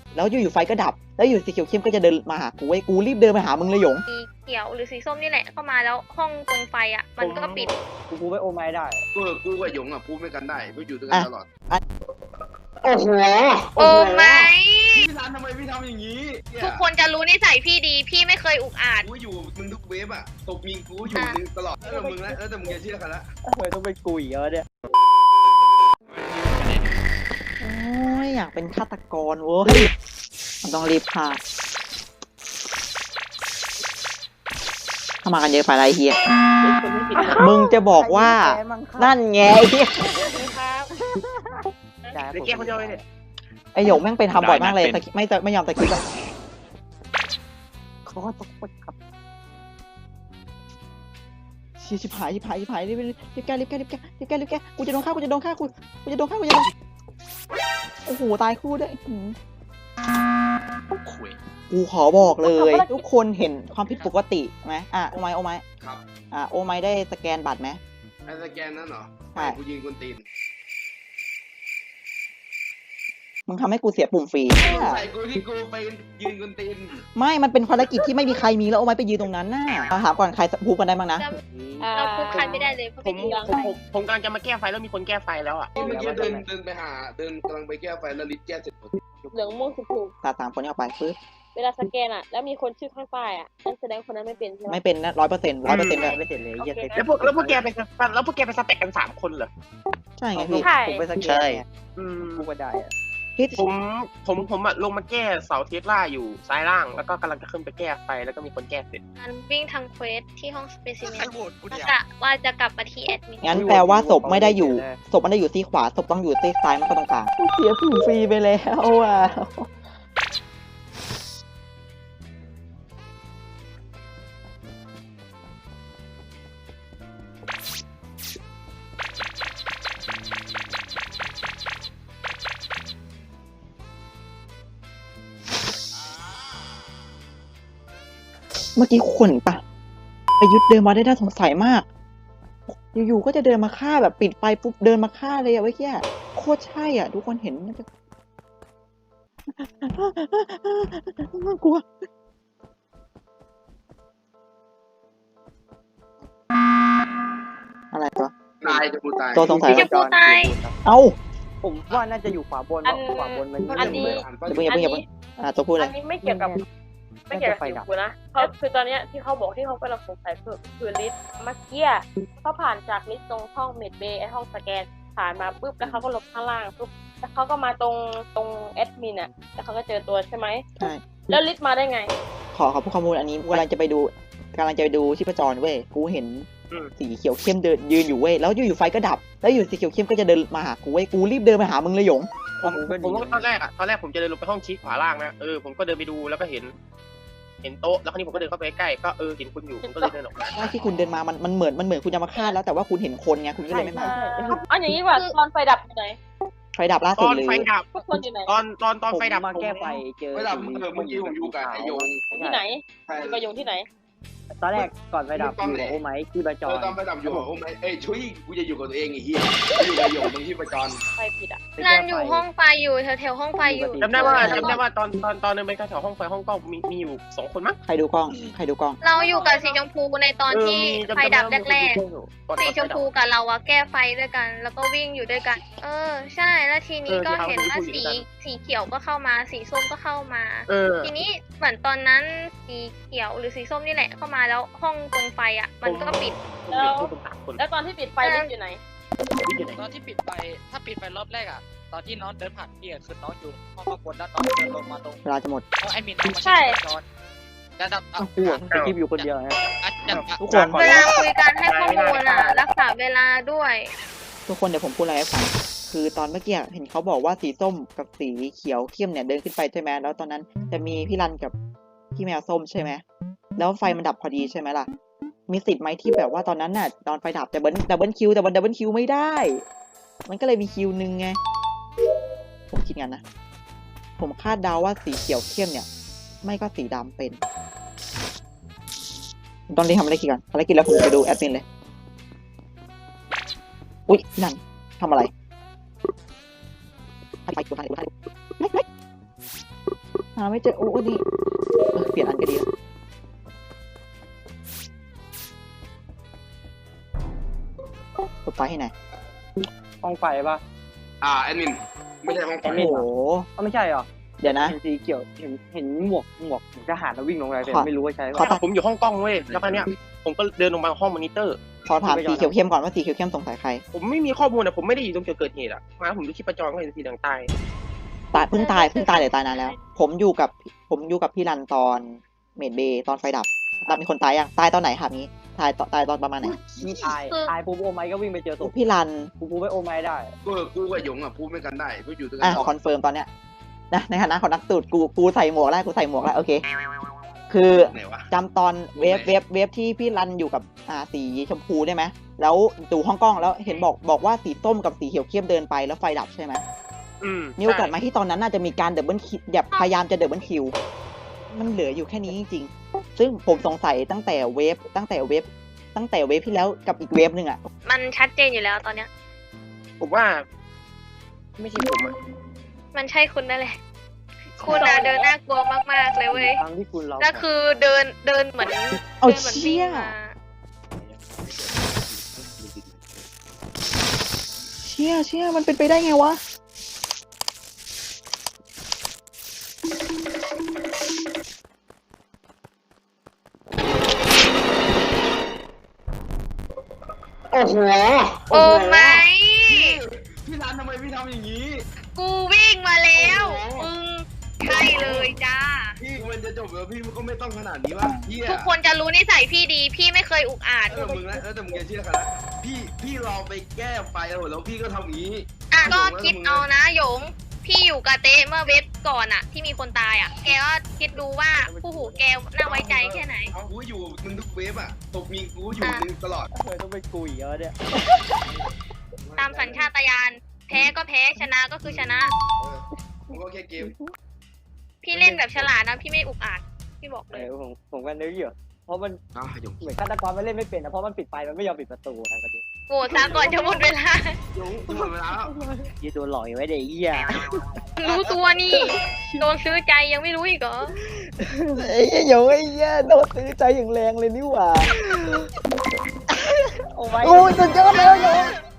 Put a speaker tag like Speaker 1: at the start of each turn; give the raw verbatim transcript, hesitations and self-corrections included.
Speaker 1: แล้วอยู่ๆไฟก็ดับแล้วอยู่สีเขียวเข้มก็จะเดินมาหากูไอ้กูรีบเดินไปหามึงเลยหยง
Speaker 2: สีเขียวหรือสีส้มนี่แหละเข้ามาแล้วห้องตรงไฟอ่ะมันก็ปิด
Speaker 3: กูกูไปโอไม้ได้
Speaker 4: กูกูกับหยงอ่ะพูดไม่กันได้ไม่อยู่ด้วยกันตลอด
Speaker 1: โอ้โห
Speaker 2: โอ้ไม่
Speaker 4: พี่รันทำไมพี่ทำอย่างนี้
Speaker 2: ทุกคนจะรู้นิสัยพี่ดีพี่ไม่เคยอุกอาจ
Speaker 4: กูอยู่มึงทุกเวฟอ่ะตบมีกูอยู่มึงตลอดแล้วมึงแล้วแต่มึงจะเชื่อกันละ
Speaker 3: ทำไมต้องเป็นกูอีกแล้วเนี่ย
Speaker 1: โอ้ยอยากเป็นฆาตกรเว้ยมันต้องรีบฆ่าเข้ามากันเยอะไปไรเฮียมึงจะบอกว่านั่นไงเฮีย
Speaker 3: ไอ้แก้คนเดียวเลยเนี่ย
Speaker 1: ไอหยกแม่งไปทำบ่อยมากเลยไม่ไม่ยอมตะคิดอะเขาก็ตกไปครับเชี่ยชิบหายชิบหายชิบหายรีบรีบแก้รีบแก้รีบแก้รีบแก้รีบแก้กูจะโดนฆ่ากูจะโดนฆ่ากูกูจะโดนฆ่ากูจะโดนโอ้โหตายคู่ด้วยกูขอบอกเลยทุกคนเห็นความผิดปกติไหมอ่ะโอไมโอไม
Speaker 4: ครับ
Speaker 1: อ่ะโอไมได้สแกนบัตรไหม
Speaker 4: ไอ้สแกนนั่นเหรอ
Speaker 1: ใช่
Speaker 4: กูยิงคนตีน
Speaker 1: มึงทำให้กูเสียปุ่มฟรี
Speaker 4: ใส่กูที่กูไปยืนคนตีน
Speaker 1: ไม่มันเป็นภารกิจที่ไม่มีใครมีแล้วโอไมไปยืนตรงนั้นน่ะถามก่อนใครพูดกันได้บ้างนะ
Speaker 2: เราพูดใครไม่ได้เลย
Speaker 5: ผมผมผมกำลังจะมาแก้ไฟแล้วมีคนแก้ไฟแล้วอ่ะ
Speaker 4: เมื่อกี้เดินเดินไปหาเดินกำลังไปแก้ไฟแล้วลิฟต์แก้เสร็จ
Speaker 6: เหลืองม่วงสุก
Speaker 1: ตาสามคนนี้ออกไปปึ๊บ
Speaker 6: เวลาสแกนอ่ะแล้วมีคนชื่อข้างป้ายอ่ะนั่นแสดงคนนั้นไม่เป็นใช่ไหม
Speaker 1: ไม่เป็นนะร้อยเปอร์เซ็นต์ร้อยเปอร์เซ็นต์เลย
Speaker 3: ไม่เสร็จเลยเยอะเต็ม
Speaker 5: แล้วพวกแล้วพวกแกไปแล้วพวกแกไปสเต็กกันสามคนเหรอ
Speaker 1: ใช่ไงพี่
Speaker 3: ผมไปสแกน
Speaker 5: อืม
Speaker 3: กูก็ได้อะ
Speaker 5: ผมผมผมลงมาแก้เสาเทสลาอยู่ซ้ายล่างแล้วก็กำลังจะขึ้นไปแก้ไฟแล้วก็มีคนแก้เสร็จ
Speaker 2: การวิ่งทางเควสที่ห้องสเปซิเมนว่าจะว่าจะกลับมาที่แอดมิน
Speaker 1: งั้นแปลว่าศพไม่ได้อยู่ศพไม่ได้อยู่ซีขวาศพต้องอยู่ซีซ้ายมันก็ตรงกลางเสียปุ่มฟรีไปแล้วอ่ะเมื่อกี้คนปะประยุทธ์เดินมาได้น่าสงสัยมากอยู่ๆก็จะเดินมาฆ่าแบบปิดไฟปุ๊บเดินมาฆ่าเลยอะเว้ยแค่โคตรใช่อ่ะทุกคนเห็นกลัวอะไรตัว
Speaker 4: ตายจะกูตาย
Speaker 1: ตัวสงสัย
Speaker 2: จะกูตาย
Speaker 1: เอ้า
Speaker 3: ผมว่าน่าจะอยู่ขวาบนขวาบนมัน
Speaker 6: อันนี้
Speaker 1: อย่าเพิ่งอย่าเพิ่งอย่าเพิ่งอ่าตัวพูดเลย
Speaker 6: อันนี้ไม่เกี่ยวกับไม่เกี่ยวกับกูนะเขาคือตอนเนี้ยที่เขาบอกที่เขากำลังสงสัยคือคือลิสต์เมื่อกี้เขาผ่านจากลิสต์ตรงห้องเมดเบย์ไอห้องสแกนผ่านมาปุ๊บแล้วเขาก็ลบข้างล่างปุ๊บแล้วเขาก็มาตรงตรงแอดมินอ่ะแล้วเขาก็เจอตัวใช่ไหม
Speaker 1: ใช่
Speaker 6: แล้วลิสต์มาได้ไง
Speaker 1: ขอขอพูดข้อมูลอันนี้กำลังจะไปดูกำลังจะไปดูชีพจรเว้ยกูเห็นสีเขียวเข้มเดินยืนอยู่เว้ยแล้วอยู่ๆไฟก็ดับแล้วอยู่สีเขียวเข้มก็จะเดินมาหากูเว้ยกูรีบเดินไปหามึงเลยหยง
Speaker 5: ผมผมก็ตอนแรกอะตอนแรกผมจะเดินลงไปห้องชี้ขวาล่างนะเออผมก็เดินไปดูแล้วก็เห็นเห็นโต๊ะแล้วคราวนี้ผมก็เดินเข้าไปใกล้ก็เออเห็นคุณอยู่ผมก็เลยเดินออกมา
Speaker 1: ว่าที่คุณเดินมามันมันเหมือนมันเหมือนคุณจะมาฆ่าแล้วแต่ว่าคุณเห็นคนไงคุณก็เลยไม่มา
Speaker 6: อ๋ออย่างนี้ว่าตอนไฟดับอยู่ไหน
Speaker 1: ไฟดับล่าสุดเลย
Speaker 5: ตอนไฟดับ
Speaker 6: ทุกคนอยู่ไหน
Speaker 5: ตอนตอนตอนไฟดับ
Speaker 3: มาแก้ไฟเจอ
Speaker 4: ไฟดับเมื่อกี้ผมอยู่กับไอ้ยง
Speaker 6: ที่ไหนอยู่กับยงที่ไหน
Speaker 3: ตอนแรกก่อนไฟดับอยู่กับโอไม้ที่ประจร
Speaker 4: ตอนไฟดับอยู่กับโอไม้เอ้ยช่วยกูจะอยู่กับตัวเองไอ้เหี้ยอยู่กับหยงตรงที่ประจร
Speaker 6: ไฟผิดอ่ะ
Speaker 2: นั่นอยู่ห้องไฟอยู่แถวแถวห้องไฟอยู่
Speaker 5: จำได้ว่าจำได้ว่าตอนตอนตอนเดินไปแถวห้องไฟห้องกล้องมีมีอยู่สองคนมั้ง
Speaker 1: ใครดูกล้องใครดูกล้อง
Speaker 2: เราอยู่กับสีชมพูในตอนที่ไฟดับแรกๆสีชมพูกับเราอะแก้ไฟด้วยกันแล้วก็วิ่งอยู่ด้วยกันเออใช่แล้วทีนี้ก็เห็นว่าสีสีเขียวก็เข้ามาสีส้มก็เข้ามาทีนี้เหมือนตอนนั้นสีเขียวหรือสีส้มนี่แหละเข้ามาแล้วห้องตรงไฟอ่ะมันก็ปิด
Speaker 6: แล้วแล้วตอนที่ปิดไฟลิฟต์อยู่ไหน
Speaker 7: ตอนที่ปิดไฟถ้าปิดไฟรอบแรกอ่ะตอนที่น้องเดินผ่านพี่คือน้องอยู่ห้องข้างบนแล้วน้องเดินลงมาตรง
Speaker 1: เวลาจะหมด
Speaker 7: เพราะไอ้มินน้องมาใช่จะดับอ่ะ
Speaker 3: กูสกิปอยู่คนเดียวนะ
Speaker 1: ทุกคน
Speaker 2: เวลาคุยกันให้ข้อมูลอ่ะรักษาเวลาด้วย
Speaker 1: ทุกคนเดี๋ยวผมพูดอะไรให้ฟังคือตอนเมื่อกี้เห็นเขาบอกว่าสีส้มกับสีเขียวเข้มเนี่ยเดินขึ้นไปใช่ไหมแล้วตอนนั้นจะมีพี่รันกับพี่แมวส้มใช่ไหมแล้วไฟมันดับพอดีใช่ไหมล่ะมีสิทธิ์ไหมที่แบบว่าตอนนั้นน่ะตอนไฟดับแต่เบิลดับเบิลคิวแต่มันดับเบิลคิวไม่ได้มันก็เลยมีคิวนึงไงผมคิดงั้นนะผมคาดเดาว่าสีเขียวเข้มเนี่ยไม่ก็สีดำเป็นตอนนี้ทำอะไรกินก่อนอะไรกินแล้วผมไปดูแอดมินเลยอุ๊ยพี่นันทำอะไรไปไปไปไปไปาไม่เจอโอ้ดีเออเปลี่ยนอันก็ดีแล้วกดไฟให้ไหนอย
Speaker 3: ห้องไฟปะ
Speaker 4: อ่าแอดมินไม่ใช่ห้องไฟ
Speaker 3: แอดมิ
Speaker 1: โอ้
Speaker 3: น
Speaker 1: โห
Speaker 3: ก็ไม่ใช่หรอ
Speaker 1: เดี๋ยวนะ
Speaker 3: เห็นสีเขียวเห็นเห็นหมวกหมวกทหารแล้ววิ่งลงไปแต่
Speaker 1: ขอ
Speaker 3: ไม่รู้ว่าใช่
Speaker 1: ขอ
Speaker 3: ปะ
Speaker 5: ผมอยู่ห้องกล้องเว้ยแล้วคราวเนี้ยผมก็เดินลงมาห้องมอนิเตอร์
Speaker 1: ขอถามสีเขียวเข้มก่อนว่าสีเขียวเข้มสงสัยใคร
Speaker 5: ผมไม่มีข้อมูลอะผมไม่ได้อยู่ตรงจุดเกิดเหตุอะมาผมดูชีพจรก็เห็นสีเหลืองตาย
Speaker 1: ตายเพิ่งตายเพิ่งตายหรือตายนานแล้ว ผมอยู่กับผมอยู่กับพี่รันตอนเมดเบย์ตอนไฟดับดับมีคนตายยังตายตอนไหนครับนี้ตายตอนตายตอนประมาณไหน
Speaker 3: มีตายตายปุ๊บโอไมค์ก็วิ่งไปเจอศพ
Speaker 1: พี่รัน
Speaker 3: ปุ๊บปุ๊บไปโอไมค์ได้
Speaker 4: กูกูกับหยงอ่ะพูดไม่กันได้กูอยู่ด้วยกั
Speaker 1: อ่ะ
Speaker 4: น
Speaker 1: ขอคอนเฟิร์มตอนเนี้ยนะในฐานะของนักสูตรกูกูใส่หมวกแล้วกูใส่หมวกแล้วโอเค คือ
Speaker 4: ไหนวะ
Speaker 1: จำตอนเวฟเวฟเวฟที่พี่รันอยู่กับอ่าสีชมพูได้ไหมแล้วดูห้องกล้องแล้วเห็นบอกบอกว่าสีส้มกับสีเขียวเข้มเดินไปแล้วไฟดับใช่ไหม
Speaker 5: อืม
Speaker 1: มีโอกาสไหมที่ตอนนั้นน่าจะมีการเดับเบิลคิวแบบพยายามจะเดับเบิลคิวมันเหลืออยู่แค่นี้จริงๆซึ่งผมสงสัยตั้งแต่เวฟตั้งแต่เวฟตั้งแต่เวฟที่แล้วกับอีกเวฟหนึ่งอ่ะ
Speaker 2: มันชัดเจนอยู่แล้วตอนเนี้ย
Speaker 5: ผมว่า ไม่ใช่ผมอะ
Speaker 2: มันใช่คุณนั่นแหละ คุณอะเดินน่ากลัวมากๆเลยเว้ย
Speaker 3: ทั้งที่คุณเรา
Speaker 2: แล้วคือเดินเดินเหมือน
Speaker 1: เอา
Speaker 2: ดินหมืน
Speaker 1: เชี่ย
Speaker 2: วิ่งมา
Speaker 1: เชี่ยเชี่ยมันเป็นไปได้ไงวะ
Speaker 4: โอ้โห
Speaker 2: โอ้ไม่
Speaker 4: พี่รันทำไมพี่ทำอย่างนี้
Speaker 2: กูวิ่งมาแล้ว
Speaker 4: โอ้โห
Speaker 2: มึงใช่เลยจ้า
Speaker 4: พี่มันจะจบแล้วพี่มันก็ไม่ต้องขนาดนี้วะพี่
Speaker 2: ทุกคนจะรู้นิสัยพี่ดี พี่ไม่เคยอุกอาจ
Speaker 4: เออมึงนะเออแต่มึงจะเชื่อกันนะพี่พี่ลองไปแก้ไฟแล้วแล้วพี่ก็ทำอย่างนี้
Speaker 2: อ่ะก็คิดเอานะหยง พี่อยู่กับเต้เมื่อเวฟก่อนอะที่มีคนตายอะแกก็คิดดูว่าผู้หูแกน่าไว้ใจแค่ไหน
Speaker 4: เอากูอยู่มึงทุกเวฟอ่ะตกมีกูอยู่มึงตลอด
Speaker 3: เคยต้องไปกุยเยอะเนี่ย
Speaker 2: ตามสัญชาตญาณแพ้ก็แพ้ชนะก็คือชนะ
Speaker 4: เออกูก็แค่เกม
Speaker 2: พี่เล่นแบบฉลาดนะพี่ไม่อุกอาจพี่บอก
Speaker 3: เอ
Speaker 2: เลย
Speaker 3: อผมผมก็นึกอยู่เพราะมัน
Speaker 4: อ่ะหยง
Speaker 3: เหมือนฆาตกรมันเล่นไม่เป็นนะเพราะมันปิดไฟมันไม่ยอมปิดประตูทางประเด็น
Speaker 2: โกรธซะก่อนจะหมดเวลา
Speaker 4: หยงกูหมดเวลาแล้ว
Speaker 3: ยีตัวหลอกอยู่ไว้เด็กเหี้ย
Speaker 2: รู้ตัวนี่โดนซื้อใจยังไม่รู้อีกเหรอ
Speaker 1: ไอ้เหี้ยโยไอ้เหี้ยโดนซื้อใจอย่างแรงเลยนี่หว่า
Speaker 3: โอ้ไม่
Speaker 1: โอ้ยสุดยอดแล้วโย